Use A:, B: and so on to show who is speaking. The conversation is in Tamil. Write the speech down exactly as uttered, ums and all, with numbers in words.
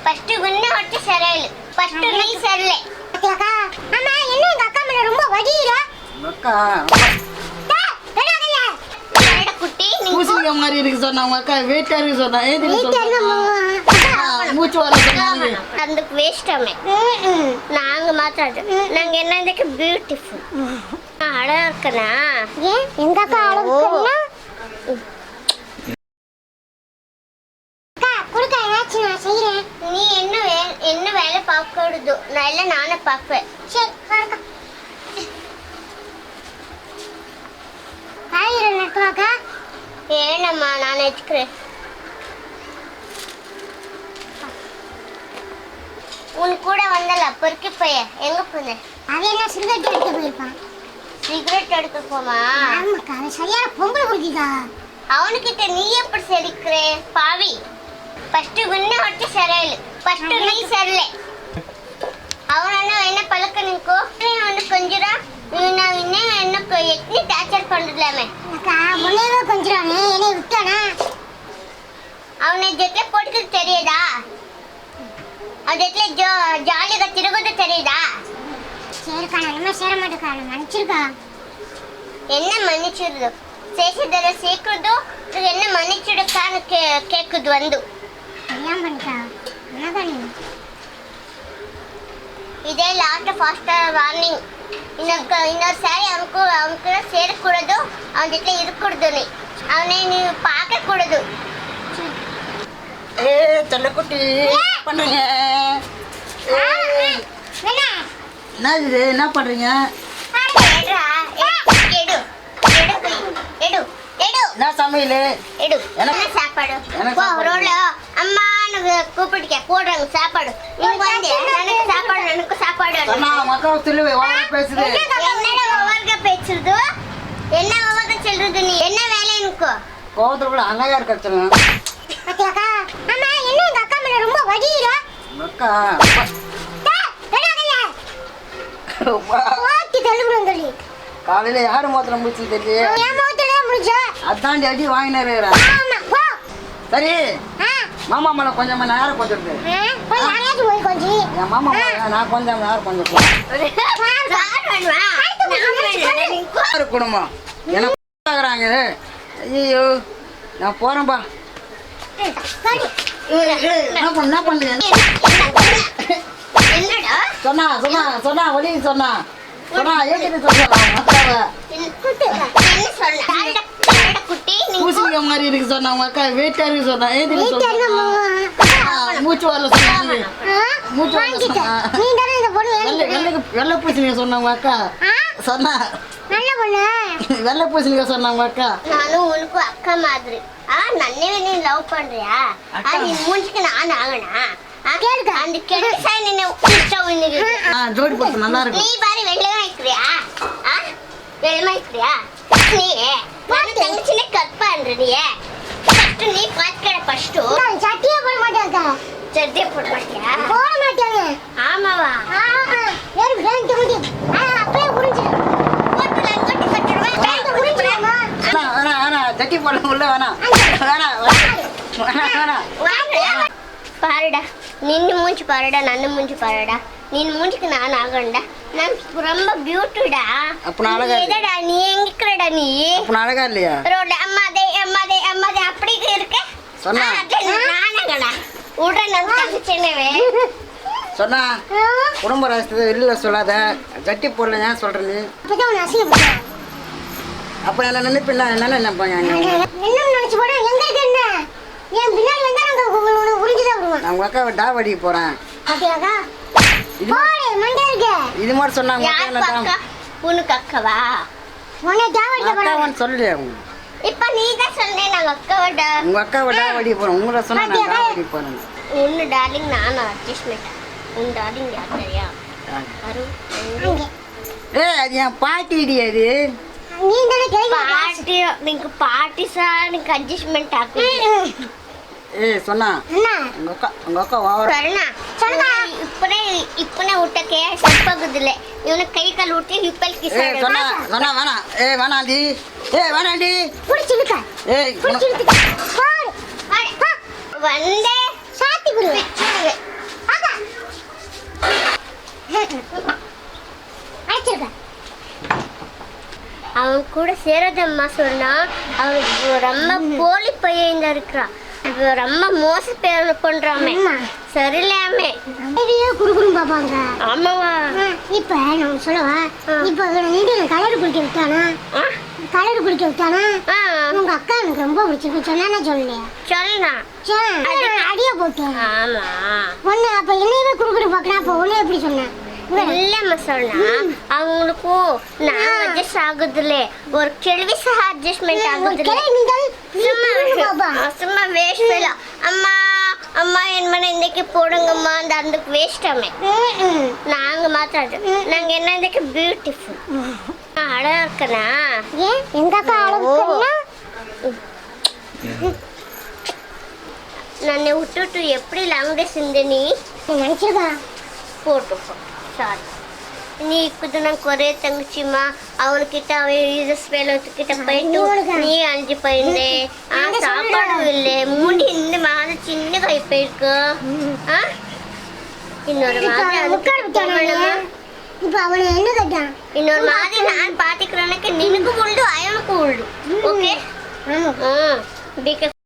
A: ஃபர்ஸ்ட் உன்ன ஒட்டி சரியில்லை. ஃபர்ஸ்ட் நீ சரியில்லை. அக்கா அம்மா என்ன எங்க அக்கா மேல ரொம்ப வடியிர.
B: அக்கா
A: டேய் குட்டி நீ
B: பூசிங்க மாதிரி இருக்கு சொன்னா உங்க அக்கா வெயிட்டா இருக்கு சொன்னா ஏதி சொன்னா மூச்சு வர சொன்னாங்க
A: அதுக்கு வேஸ்டாமே. நாங்க மாத்தாது நாங்க என்னதுக்கு பியூட்டிஃபுல் அழகா இருக்கனா. ஏன் எங்க அக்கா அழகா இருக்கனா? நீ என்ன என்ன வேலை பார்க்கறது? நான் இல்ல நானே பார்ப்பேன். சரி பாருங்க. ஆயிரம் நட்டுவாக்கா. ஏனம்மா நான் வச்சுக்கிறேன். உன் கூட வந்தல பொறுக்கி போய எங்க போன? அவன் என்ன சிகரெட் எடுக்க போயிருப்பான். சிகரெட் எடுக்க போமா? ஆமாக்கா அவன் சரியான பொம்பளை குடிக்கா. அவனுக்கிட்ட நீ எப்படி சரிக்கிறே பாவி? ஃபர்ஸ்ட் உன்ன ஒட்டி சரியில்லை. ஃபர்ஸ்ட் நீ சரியில்லை. அவன என்ன பழக்க நிக்கோ அவனு கொஞ்சரா நான் இன்னும் என்ன எத்தனை டார்ச்சர் பண்ணலாமே. அக்கா முன்னேவே கொஞ்சரானே என்னை விட்டானா? அவனை ஜெட்ல போட்டுக்கிறது தெரியுதா? அவன் ஜெட்ல ஜோ ஜாலியாக திருகுது தெரியுதா? சரிக்கா நான் இனிமே சேர மாட்டேக்கா. நான் மன்னிச்சிருக்கா. என்ன மன்னிச்சிருது? சேசிதர சீக்கிரதோ என்ன மன்னிச்சிடுக்கான்னு கே கேட்குது வந்து ஏன் பண்ணிக்கா என்னதானே. இதே லாஸ்ட் ஃபாஸ்டர் வார்னிங். இன்னொரு இன்னொரு சாரி அவனுக்கு அவனுக்கு சேரக்கூடாது. அவன் கிட்ட இருக்கக்கூடாது. நீ அவனை நீ பார்க்கக்கூடாது.
B: ஏ செல்லக்குட்டி பண்ணுங்க. என்ன இது என்ன பண்றீங்க? என்ன சமையல்?
A: எடு என்ன சாப்பாடு? ரோல அம்மான்னு கூப்பிட்டுக்க போடுறாங்க சாப்பாடு. இவங்க வந்து எனக்கு சாப்பாடு எனக்கு சாப்பாடு
B: மக்கள் சொல்லுவே பேசுது.
A: என்னடா ஒவ்வொருக்க பேசுறது? என்ன ஒவ்வொருக்க சொல்றது? நீ என்ன வேலை எனக்கு?
B: கோவத்துல கூட அழகா இருக்க சொல்லுங்க.
A: அக்கா அம்மா என்ன எங்க அக்கா மேல ரொம்ப வடியிர.
B: அக்கா காலையில யாரு மோத்திர முடிச்சு தெரியல. அதான் அடி வாங்கினாரு. சரி மாமா மேல கொஞ்சம் நேரம் கொஞ்சம் என் மாமா நான் கொஞ்சம் நேரம் கொஞ்சம் குடும்பம் எனக்கு ஐயோ நான் போறேன்பா. என்ன பண்ணுங்க சொன்னா சொன்னா சொன்னா வழி சொன்னா சொன்னா ஏற்கனவே பூசிங்க மாதிரி இருக்கு சொன்னா உங்க அக்கா வெயிட்டா இருக்கு சொன்னா ஏதி மூச்சு வரல சொன்னாங்க. மூச்சு வரல வெள்ளை பூசணிக்க சொன்னா உங்க அக்கா சொன்னா வெள்ளை பூசணிக்க சொன்னா உங்க அக்கா.
A: நானும் உனக்கு அக்கா மாதிரி நன்னே நீ லவ் பண்றியா? நீ மூஞ்சிக்கு நான் ஆகனா அந்த கெடுசா நின்னு
B: ஜோடி போட்டு நல்லா இருக்கு.
A: நீ பாரு வெள்ளமா இருக்கிறியா? வெள்ளமா இருக்கிறியா? நீ நான் தங்கச்சினே கட் பண்றியே. ஃபர்ஸ்ட் நீ பாத்துக்கற ஃபர்ஸ்ட் நான் சட்டியே போட மாட்டேன். சட்டியே போட மாட்டியா? போட மாட்டேங்க. ஆமாவா? ஆமா வேற வேண்ட் முடி அப்படியே புரிஞ்சு போட்டு நான் கட்டி கட்டிடுவேன். வேண்ட் புரிஞ்சுமா?
B: انا انا انا சட்டி போட உள்ள வேணா வேணா வேணா வேணா
A: பாருடா நின்னு மூஞ்சி பாருடா நன்னு மூஞ்சி பாருடா. நீ மூஞ்சிக்கு நான் ஆகண்டா. நான் ரொம்ப பியூட்டிடா.
B: அப்ப அழகா
A: இல்லடா நீ எங்கக்கறடா நீ?
B: அப்ப அழகா இல்லையா?
A: ரோட அம்மாதே அம்மாதே அம்மாதே அப்படி இருக்க
B: சொன்னா
A: நானங்கடா உடனே நான் தங்கச்சேனவே
B: சொன்னா குடும்ப ராஸ்து இல்ல சொல்லாத சட்டி போடல ஏன் சொல்ற நீ?
A: அப்பதான் நான் அசிங்கப்படுறேன்.
B: அப்ப என்ன நினைப்பீங்க என்ன நினைப்பாங்க?
A: என்ன நினைச்சு போற எங்க இருக்க என்ன? ஏன் பின்னாடி வந்தா நாங்க உறிஞ்சிதா வருவோம்.
B: நான் உங்க அக்காவை டாவடி போறேன்.
A: பாத்தியாக்கா? போறே மண்டே இருக்க.
B: இது மாதிரி சொன்னாங்க
A: என்ன அக்கா? உனக்கு அக்காவா? உன்னை டாவடி போறேன்.
B: அக்காவன்னு சொல்லலையா உங்க?
A: இப்ப நீ தான் சொன்னே நாங்க அக்காவடா.
B: உங்க அக்காவை டாவடி போறேன். உங்கள சொன்னா நான் டாவடி போறேன்.
A: உன்ன டார்லிங் நான் அட்ஜஸ்ட்மென்ட். உன் டார்லிங் யார் தெரியா? அரு அங்க.
B: ஏய் அது என் பாட்டிடி அது.
A: நீ தான கேக்க பாட்டி நீங்க பாட்டி சார் நீங்க அட்ஜஸ்ட்மென்ட் ஆக்கு.
B: ஏய் சொன்னா
A: என்ன
B: உங்க அக்கா உங்க அக்கா வாவற
A: சொன்னா சொன்னா இப்பனே இப்பனே உட்டக்கே சப்பகுதுல இவன கை கால் ஊட்டி இப்பல் கிசா.
B: ஏய் சொன்னா சொன்னா வேணா ஏய் வேணாடி ஏய் வேணாடி
A: புடிச்சிருக்க
B: ஏய்
A: புடிச்சிருக்க பாரு வந்தே சாத்தி குரு கூட சேராதம்மா சொன்னா அவனுக்கு ரொம்ப போலி பையன் இருக்கிறா ரொம்ப மோச பேர் பண்றாமே சரியில்லாமே குறுகுறு பாப்பாங்க ஆமாவா இப்ப நான் சொல்லவா இப்ப கலர் குளிக்க விட்டானா கலர் குளிக்க விட்டானா உங்க அக்கா எனக்கு ரொம்ப பிடிச்சிருக்கு சொன்னா சொல்லலையா சொல்லலாம் அடியா போட்டேன் ஆமா ஒண்ணு அப்ப என்னையவே குறுகுறு பாக்குறேன் அப்ப ஒண்ணு எப்படி சொன்னேன் இல்லம்மா சொன்னா அவங்களுக்கும் நான் அட்ஜஸ்ட் ஆகுதுல ஒரு கேள்வி சಹ அட்ஜஸ்ட்மெண்ட் ஆகுதுல சும்மா சும்மா வேஸ்ட் ஃபெலோ அம்மா அம்மா என் மன இன்னைக்கு போடுங்கம்மா அந்த அதுக்கு வேஸ்டாமே நாங்க மாத்தாது நாங்க என்ன இன்னைக்கு பியூட்டிஃபுல் அழகா இருக்கனா ஏன் எங்க அக்கா அழகா நன்னை விட்டுட்டு எப்படி லாங் டேஸ் இருந்த நீ நினைச்சிருக்கா போட்டு சாரி நீ இப்போது நான் கொரே தங்கச்சிம்மா அவனுக்கிட்ட அவன் யூசஸ் வேலைக்கிட்ட போயிட்டு நீ அஞ்சு போயிருந்தே ஆ சாப்பாடு இல்லை முடி இந்த மாதிரி சின்ன கை போயிருக்கு ஆ இன்னொரு மாதிரி இப்போ அவனை என்ன கேட்டான் இன்னொரு மாதிரி நான் பார்த்துக்கிறேனுக்கு நினக்கு உண்டு அவனுக்கு உண்டு ஓகே ம் பிகாஸ்